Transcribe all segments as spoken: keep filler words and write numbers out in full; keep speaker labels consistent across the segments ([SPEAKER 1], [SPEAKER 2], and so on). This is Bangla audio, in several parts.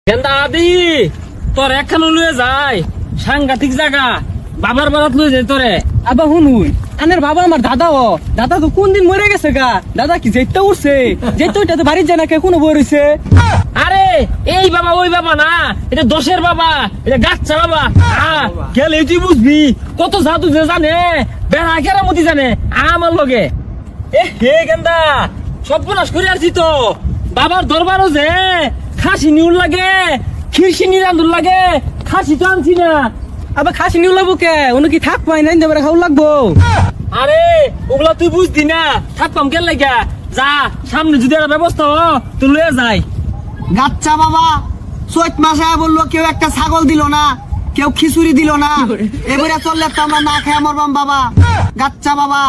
[SPEAKER 1] গেন্দা আদি তোর একখান লুয়ে যায় সাংঘাতিক জায়গা বাবার বারাত লুয়ে যায় তোরে।
[SPEAKER 2] আবার শুনুই আনের বাবা আমার দাদা ও দাদা তো কোন দিন মরে গেছে গা। দাদা কি যেতে উঠছে যেতে ওইটা তো বাড়ির যায় না কে কোনো বই রয়েছে।
[SPEAKER 1] আরে এই বাবা ওই বাবা না, এটা দোষের বাবা, এটা গাচ্ছা বাবা। আহ, গেলে তুই বুঝবি কত জাদু যে জানে বেড়া কেরামতি জানে আমার লগে। এ হে গেন্দা সর্বনাশ করে আসছি তো। বাবার দরবারও যে খাসি নিউল লাগে, খিরসিনি রান্ধুর লাগে, খাসি তো আনছি না।
[SPEAKER 2] আবার খাসি নিউ লাগবো কে উনি কি থাক পাই নাই দেবে খাও লাগবো।
[SPEAKER 1] আরে ওগুলা তুই বুঝতি না, থাকতাম কেন লাগা। যা সামনে যদি একটা ব্যবস্থা হ তুই লয়ে যাই।
[SPEAKER 3] গাচ্চা বাবা চৈত মাসে বললো কেউ একটা ছাগল দিল না, কেউ খিচুড়ি দিল না, এবারে চললে তো আমরা না খেয়ে মরবাম বাবা। গাচ্চা বাবা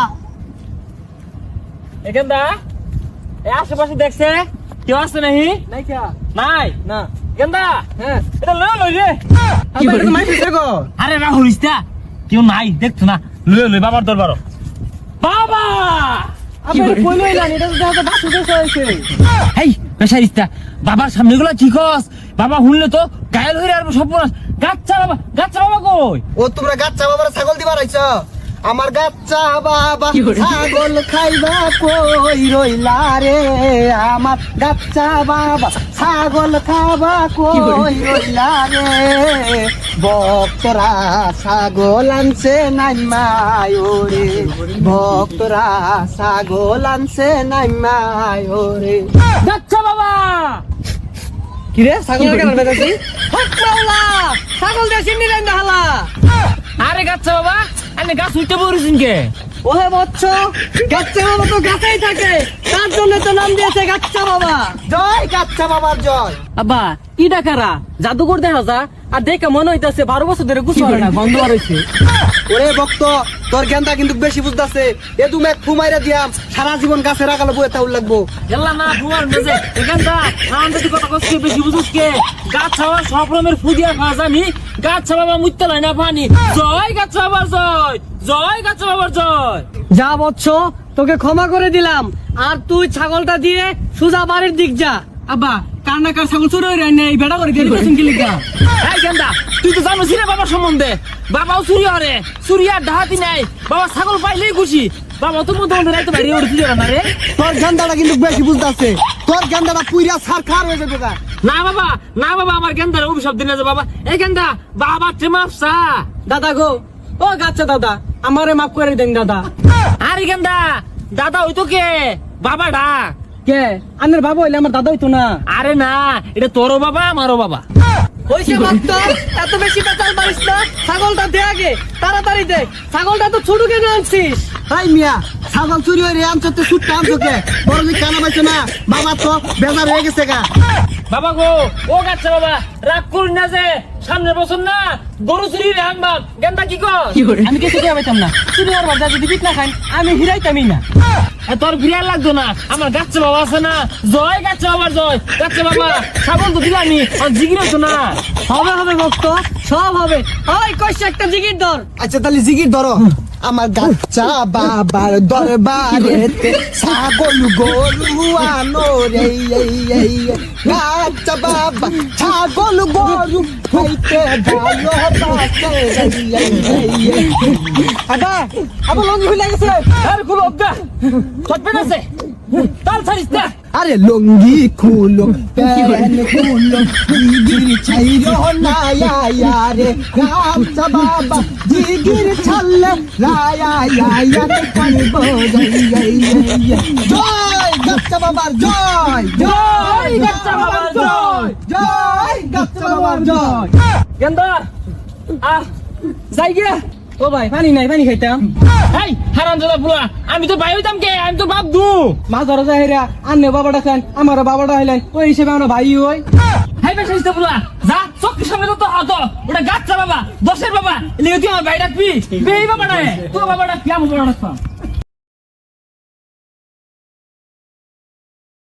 [SPEAKER 1] এখানটা এই আশেপাশে দেখছে কেউ আছে নাহি?
[SPEAKER 2] নাই কে
[SPEAKER 1] নাই
[SPEAKER 2] না
[SPEAKER 1] গেন্দা
[SPEAKER 2] হ্যাঁ
[SPEAKER 1] এটা লয়ে লই রে।
[SPEAKER 2] আবার তো মাইছে গো।
[SPEAKER 1] আরে না হইস্তা কেউ নাই দেখছো না, লয়ে লই বাবার দরবার। বাবা
[SPEAKER 2] আবার কই লইলা এটা তো দেখা বাসু দেশে হইছে।
[SPEAKER 1] হেই বেশাইস্তা বাবার সামনে গুলা ঠিক হস। বাবা শুনলে তো গায়েল হইরে আর সব গাচ্ছা বাবা। গাচ্ছা বাবা কই?
[SPEAKER 3] ও তোমরা গাচ্চা বাবার ছাগল দিবার আইছ? আমার গাচ্চা বাবা ছাগল খাইবা কই রইলা রে, আমার গাচ্চা বাবা ছাগল খাবা কই রইলা রে, ভক্তরা ছাগল আনছে নাই মায়োরে, ভক্তরা ছাগল আনছে নাই মায়োরে।
[SPEAKER 1] গাচ্ছা বাবা
[SPEAKER 2] কি রে ছাগল কেন বেজাছি? হকমাওলা ছাগল দে সিন্নি রাইন হালা।
[SPEAKER 1] আরে গাচ্ছা বাবা আমি গাছ উঠতে পড়েছেন কে?
[SPEAKER 2] ওহে বচ্চ গাচ্চা বাবা তো গাছেই থাকে, তার জন্য তো নাম দিয়েছে গাচ্চা বাবা।
[SPEAKER 3] জয় গাচ্চা বাবার জয়।
[SPEAKER 2] আব্বা কি ডাকারা জাদুঘর দেখা যা আর দেখে মনে হইতাছে বারো বছর ধরে গুছ হয় না বন্ধ হয়েছে।
[SPEAKER 3] ওরে ভক্ত তোর জ্ঞানটা কিন্তু বেশি বুঝতেছে, এ তুমি এক ফুমাইরা দিয়াম সারা জীবন গাছে রাখালে বয়ে তাউল লাগবো।
[SPEAKER 1] গেল্লা না বুয়ার মেজে এখানটা নাম যদি কথা কসকে বেশি বুঝুস কে। গাছ ছাওয়া সব রকমের ফুদিয়া খাওয়া জানি, গাছ ছাওয়া মুইতে লয় না পানি। জয় গাছ বাবার জয়, জয় গাছ বাবার জয়।
[SPEAKER 2] যা বচ্চ তোকে ক্ষমা করে দিলাম, আর তুই ছাগলটা দিয়ে সুজা বাড়ির দিক যা। আব্বা কার না কার ছাগল চুরি হয়ে নেই বেড়া করে গেলি পেছন কি লিখা।
[SPEAKER 1] এই গেন্দা তুই তো জানোস রে বাবার সম্বন্ধে, বাবাও চুরি হরে, চুরি আর ডাহাতি নাই। বাবা ছাগল পাইলেই খুশি। বাবা তো মধ্যে মধ্যে রাইতে বাইরে উঠে দিল না রে।
[SPEAKER 3] তোর জ্ঞানটা কিন্তু বেশি বুঝতেছে, তোর জ্ঞানটা পুইরা সার খার হয়ে যাবে।
[SPEAKER 1] না বাবা না বাবা আমার গেন্দার অভিশাপ দিনে যে বাবা। এই গেন্দা বাবা টেমাপসা।
[SPEAKER 2] দাদা গো ও গাচ্চা দাদা আমারে মাফ করে দেন দাদা।
[SPEAKER 1] আরে গেন্দা দাদা হইতো কে? বাবা ডাক।
[SPEAKER 2] কে আনের বাবা হইলে আমার দাদা হইতো না?
[SPEAKER 1] আরে না এটা তোরও বাবা আমারও বাবা।
[SPEAKER 2] হইছে মাত্র এত বেশি পেঁচাল পারিস না, ছাগলটা দে আগে তাড়াতাড়ি দে। ছাগলটা তো ছোট কেন আনছিস?
[SPEAKER 3] তাই মিয়া ছাগল চুরি হয়ে আনছো তো সুটটা আনছো কে? বড় যে কানা পাইছো না, বাবা তো বেজার হয়ে গেছে গা।
[SPEAKER 1] বাবা গো ও গাচ্ছা বাবা রাগ করুন না যে সামনের বছর না গরু চুরি রে আনবা। গেন্দা কি কর?
[SPEAKER 2] আমি কিছু দিয়ে পাইতাম না, চুরি আর বাজা যদি পিট না খাই আমি হিরাইতামই না।
[SPEAKER 1] এ তোর বিরাট লাগতো না, আমার গাচ্ছা বাবা আছে না। জয় গাচ্ছা বাবার জয়। গাচ্ছা বাবা ছাগল তো দিলামি আর জিগির হতো না।
[SPEAKER 2] হবে হবে ভক্ত সব হবে। ওই কইছে একটা জিগির ধর।
[SPEAKER 3] আচ্ছা তাহলে জিগির ধরো। আমার গাচ্চা বাবার দরবারেতে ছাগল গরু আনো রে, এই এই গাচ্চা বাবা ছাগল গরু হইতে ভালোবাসে রে, এই এই
[SPEAKER 2] আদা আবার লঙ্গি হইলা গেছে।
[SPEAKER 1] আর খুলো গা চটবে না সে তাল ছাড়িস না।
[SPEAKER 3] আরে লঙ্গি খুলো প্যান খুলো জিগির ছাইরো না ইয়া রে, গাচ্চা বাবা জিগির ছাড়লে রায়া ইয়া রে কানবো রে, এই এই জয় গাচ্চা বাবার জয়,
[SPEAKER 1] জয় গাচ্চা বাবার জয়,
[SPEAKER 3] জয় গাচ্চা বাবার জয়।
[SPEAKER 1] গেন্দা আহ যাই গিয়া।
[SPEAKER 2] ও ভাই পানি নাই পানি খাইতাম।
[SPEAKER 1] এই হারামজাদা বুলা আমি তো ভাই হইতাম কে? আমি তো বাপ দু।
[SPEAKER 2] মাছ ধরা যায় হেরা আন্নে বাবাটা খান আমার বাবাটা হইলেন ওই হিসেবে আমরা ভাই হই।
[SPEAKER 1] হাই বেশ হইতে বুলা যা চোখের সামনে তো হাত ওটা গাচ্চা বাবা দশের বাবা এলিগে তুই আমার ভাই ডাকবি। বেই বাবা ডাকে তোর বাবা ডাকবি আমি বাবা ডাকতাম।